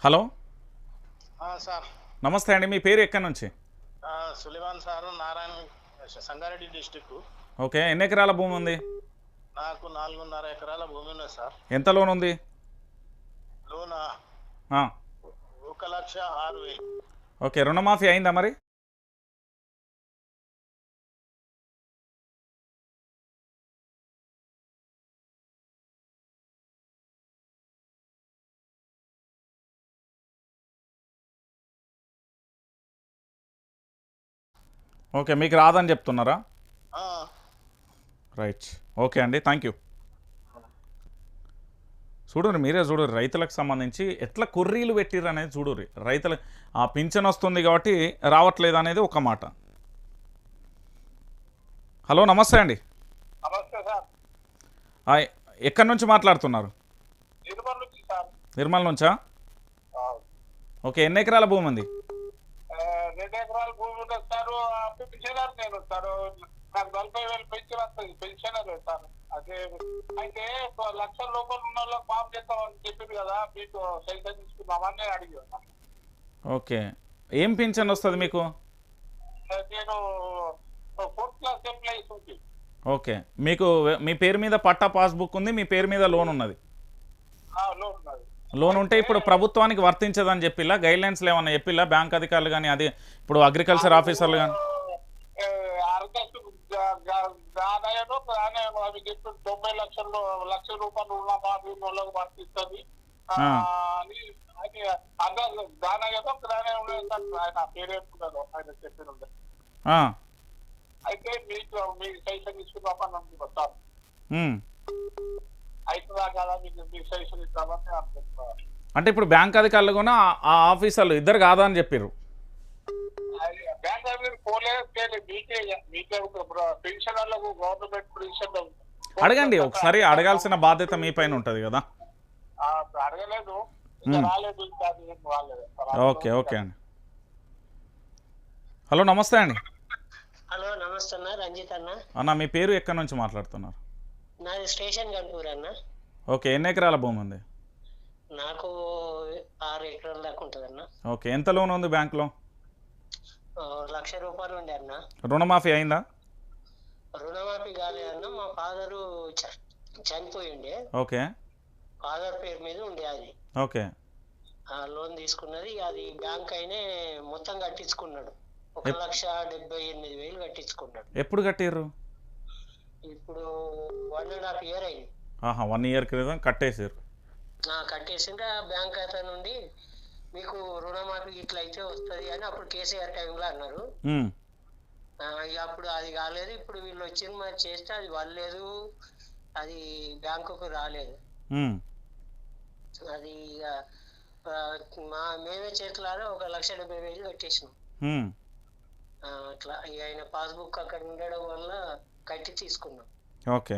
Hello sir నమస్తే అండి. మీ పేరు ఎక్కడి నుంచి? Suleman sir Narayana Sangareddy district. Okay. ఎన్ని ఎకరాల భూమి ఉంది? నాకు 4.5 ఎకరాల భూమి ఉన్నది సార్. ఎంత లోన్ ఉంది? లోన్ ఆ, 1,06,000. ఓకే. రుణమాఫీ అయిందా మరి? ఓకే, మీకు రాదని చెప్తున్నారా? ఆ, రైట్. ఓకే అండి, థ్యాంక్ యూ. చూడుర్రి, మీరే చూడుర్రి, రైతులకు సంబంధించి ఎట్లా కొర్రీలు పెట్టిర్రు అనేది చూడుర్రి. రైతులు ఆ పింఛన్ వస్తుంది కాబట్టి రావట్లేదు అనేది ఒక మాట. హలో, నమస్తే అండి. నమస్తే సార్. ఆ, ఎక్కడి నుంచి మాట్లాడుతున్నారు? నిర్మల్ నుంచి సార్. నిర్మల్ నుంచా? ఓకే. ఎన్ని ఎకరాల భూమి ఉంది? 2 ఎకరాల భూమి ఉన్నది సార్. పెన్షనర్ నేను సార్. నాకు 40,000 పెన్షన్ వస్తుంది. Pensioner sir. అదే అయితే 1,00,000 లోపల ఉన్న వాళ్ళకి మాఫ్ చేస్తామని చెప్పింది కదా, మీకు సైతం తీసుకుందామని అడిగాను. ఓకే. ఏం పింఛన్ వస్తుంది మీకు? నేను 4th క్లాస్ ఎంప్లాయీస్ ఉంది. ఓకే. మీకు మీ పేరు మీద పట్టా పాస్బుక్ ఉంది, మీ పేరు మీద లోన్ ఉన్నది. లోన్ ఉన్నది. లోన్ ఉంటే ఇప్పుడు ప్రభుత్వానికి వర్తించదని చెప్పిలా, గైడ్లైన్స్లో ఏమన్నా చెప్పిలా బ్యాంక్ అధికారులు కానీ, అది ఇప్పుడు అగ్రికల్చర్ ఆఫీసర్లు కానీ? అవి చెప్పి 90 లక్షలు లక్ష రూపాయలు ఉన్న వాళ్ళకి వర్తిస్తుంది అని దానయ్యదో గ్రానే ఉండదు. ఆయన పేరేసుకున్నారు, ఆయన చెప్పిన. అయితే మీకు సైషన్ తీసుకున్నామని అనుకుంటారు. అవుతుందా కదా, మీకు సైషన్ ఇస్తామని అనుకుంటున్నారు. అంటే ఇప్పుడు బ్యాంక్ అధికారులు కూడా ఆ ఆఫీసర్లు ఇద్దరు కాదా అని చెప్పారు. బ్యాంక్ అధికారులు పోలేదు, మీకే పెన్షనర్లకు గవర్నమెంట్ పెన్షన్ అడగండి ఒకసారి, అడగాల్సిన బాధ్యత మీ పైన ఉంటుంది కదా. అడగలేదు, రాలేదు. ఓకే ఓకే అండి. హలో, నమస్తే అండి. హలో, నమస్తే అన్న. రంజిత్ అన్న. అన్న, మీ పేరు ఎక్కడి నుంచి మాట్లాడుతున్నారు? నాది స్టేషన్ గన్పూర్ అన్న. ఓకే. ఎన్ని ఎకరాల భూమి ఉంది? నాకు 6 ఎకరాల దాకా ఉంటుంది అన్న. ఓకే. ఎంత లోన్ ఉంది బ్యాంక్లో? 1,00,000 రూపాయలు ఉండే అన్న. రుణమాఫీ అయిందా? రుణమాఫీ కాలేదన్న, మా ఫాదరు చనిపోయిండే. ఓకే. ఫాదర్ పేరు మీద ఉండే అది. ఓకే. లోన్ తీసుకున్నది, అది బ్యాంక్ అయినే మొత్తం కట్టించుకున్నాడు. 1,78,000 కట్టించుకున్నాడు. ఎప్పుడు కట్టిర్రు? ఇప్పుడు 1.5 year అయింది. 1 year క్రితం కట్టేసారు. కట్టేసింటే బ్యాంక్ అతను నుండి మీకు రుణమాఫీ ఇట్లా అయితే వస్తుంది అని అప్పుడు కేసీఆర్ టైంలో అన్నారు. అప్పుడు అది కాలేదు. ఇప్పుడు వీళ్ళు వచ్చింది మరి చేస్తే అది వాళ్ళలేదు, అది బ్యాంకుకు రాలేదు. అది మేమే చేతులారా 1,70,000 కట్టేసినాం. అట్లా ఆయన పాస్బుక్ అక్కడ ఉండడం వల్ల కట్టి తీసుకున్నాం. ఓకే.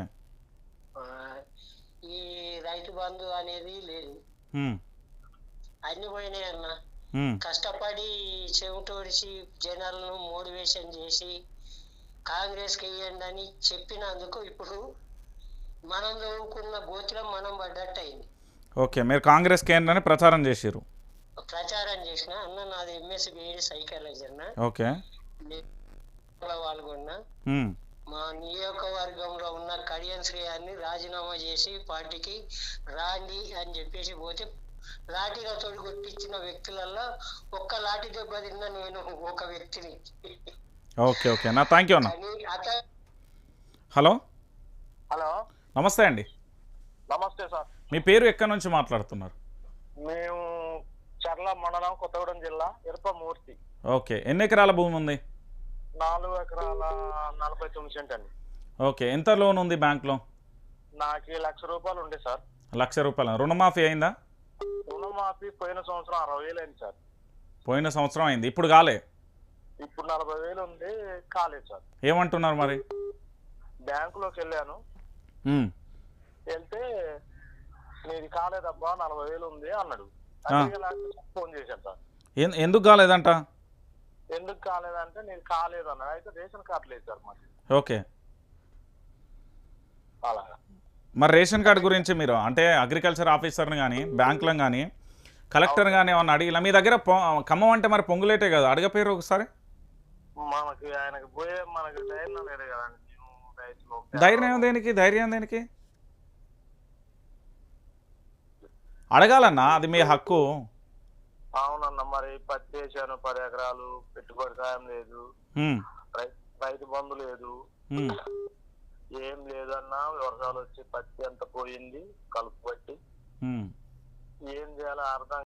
ఈ రైతు బంధు అనేది లేదు, అన్ని పోయినాయి అన్న. కష్టపడి చెవిటోడిచి జనాలను మోటివేషన్ చేసి కాంగ్రెస్కి వేయండి అని చెప్పినందుకు ఇప్పుడు మనం చదువుకున్న గోతిలో మనం పడ్డట్టు అయింది. ఓకే. మీరు కాంగ్రెస్కి ఏంటని ప్రచారం చేసిర్రు? ప్రచారం చేసిన అన్న. నాది ఎంఎస్సి బిఈడి సైకాలజీ అన్న. ఓకే. పాల్గొన్నా. మా నియోజకవర్గంలో ఉన్న కడియం శ్రేయాన్ని రాజీనామా చేసి పార్టీకి రాండి అని చెప్పేసి పోతే లాఠీగా తోడు కొట్టించిన వ్యక్తులలో ఒక్క లాఠీ దెబ్బ తిన్నా నేను ఒక వ్యక్తిని. ఓకే ఓకే అన్న, థ్యాంక్ యూ అన్న. హలో హలో, నమస్తే అండి. నమస్తే సార్. మీ పేరు ఎక్కడి నుంచి మాట్లాడుతున్నారు? మేము చర్ల మండలం, కొత్తగూడెం జిల్లా, ఇరపమూర్తి. ఓకే. ఎన్ని ఎకరాల భూమి ఉంది? 4 ఎకరాల 49 సెంట్ అండి. ఓకే. ఎంత లోన్ ఉంది బ్యాంక్లో? నాకు 1,00,000 రూపాయలు ఉండే సార్. 1,00,000 రూపాయలు. రుణమాఫీ అయిందా? రుణమాఫీ పోయిన సంవత్సరం 60,000 అయింది సార్. పోయిన సంవత్సరం అయింది, ఇప్పుడు కాలే? ఇప్పుడు 40,000 ఉంది, కాలేదు సార్. ఏమంటున్నారు మరి? బ్యాంకులోకి వెళ్ళాను, వెళ్తే నీది కాలేదబ్బా 40,000 ఉంది అన్నాడు. ఫోన్ చేశాను సార్. ఎందుకు కాలేదంట? ఎందుకు కాలేదంటే నేను కాలేదు అన్నాడు. అయితే రేషన్ కార్డు లేదు సార్ మాకు. ఓకే. అలాగా. మరి రేషన్ కార్డు గురించి మీరు అంటే అగ్రికల్చర్ ఆఫీసర్ని కానీ బ్యాంకులను కానీ కలెక్టర్ గానీ ఏమన్నా అడిగిలా? మీ దగ్గర ఖమ్మం అంటే మరి పొంగులేటే కదా, అడగపోయారు ఒకసారి? మనకి ఆయనకి పోయే మనకి ధైర్యం లేదు కదండి. మేము రైతులు ధైర్యం దేనికి, ధైర్యం దేనికి? అడగాలన్నా, అది మీ హక్కు. అవునన్న, మరి పత్తి వేసాను 10 ఎకరాలు, పెట్టుబడి సాయం లేదు, ఉమ్, రైతు బంధు లేదు, ఉమ్, ఏం లేదన్నా. వర్షాలు వచ్చి పత్తి అంతా పోయింది కలుపు పట్టి. ఉమ్. ఏం చేయాలో అర్థం